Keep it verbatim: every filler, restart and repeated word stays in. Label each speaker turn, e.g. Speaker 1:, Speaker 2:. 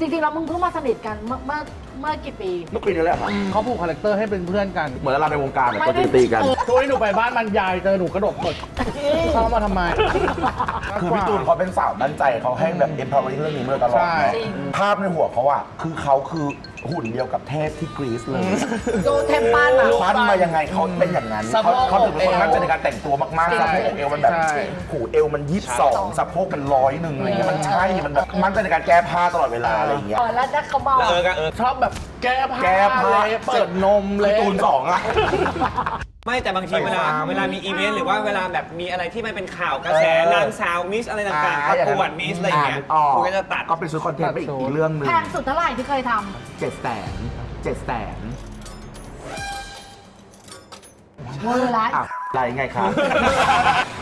Speaker 1: จริงๆเรามึงเพิ่งมาสนิทกันเมื่อเมื่อเมื่อกี่ปี
Speaker 2: เมื่อปีนี้แหละครับ
Speaker 3: เขาผูกคาแรคเตอร์ให้เป็นเพื่อนกัน
Speaker 2: เหมือนเราในวงการเนี่ยก็ตีตีกัน
Speaker 3: ช่วยหนูไปบ้านมันยายเจอหนูกระโดดตกเข้ามาทำไม
Speaker 2: คือพี่ตูนเขาเป็นสาวมั่นใจเขาให้แบบ empowering เรื่องนี้มาตลอด
Speaker 3: ใช่
Speaker 2: เนาะภาพในหัวเขาอะคือเขาคือหุ่นเดียวกับเทพที่กรีซเลย
Speaker 1: โดเทมปันอ่ะ
Speaker 2: ปั้นมายังไงเขาเป็นอย่างนั้น
Speaker 3: สะโพ
Speaker 2: เขา
Speaker 3: ก
Speaker 2: เขาถึงเป็นคน
Speaker 3: เอว
Speaker 2: มั่นใจในการแต่งตัวมากๆสะโพกเอวมันแบบ
Speaker 3: ใช่
Speaker 2: หูเอวมันยี่สิบสองสะโพกมันร้อยหนึ่งอะไรเงี้ยมันใช่มันแบบมั่นใจในการแก้ผ้าตลอดเวลาอะไรอย่างเงี้ย
Speaker 1: เออแล้วนักเขาเมา
Speaker 4: แล้วเออก็เออ
Speaker 3: ชอบแบบแก้ผ้า
Speaker 2: แก้ผ้า
Speaker 3: เลยเปิดนมเลย
Speaker 2: พี่ตูนสองอะ
Speaker 4: ไม่แต่บางทีเวลา
Speaker 2: ใส่ความ
Speaker 4: เวลามีอีเวนต์หรือว่าเวลาแบบมีอะไรที่มันเป็นข่าวกระแส
Speaker 2: เออน
Speaker 4: างสาวมิสอะไรต่างๆประกวดมิสอะไรอย่างเงี้ย
Speaker 2: ออก
Speaker 4: คุณก็จะตัด
Speaker 2: ก็เป็นชุดคอนเทนต์ไปอีกอีกเรื่องหนึ่ง
Speaker 1: แพงสุดเท่าไหร่ที่เคยท
Speaker 2: เจ็ดแสนเจ็ดแสน
Speaker 1: ำเวอร์ละ
Speaker 2: อ่ะอะไรไงครับ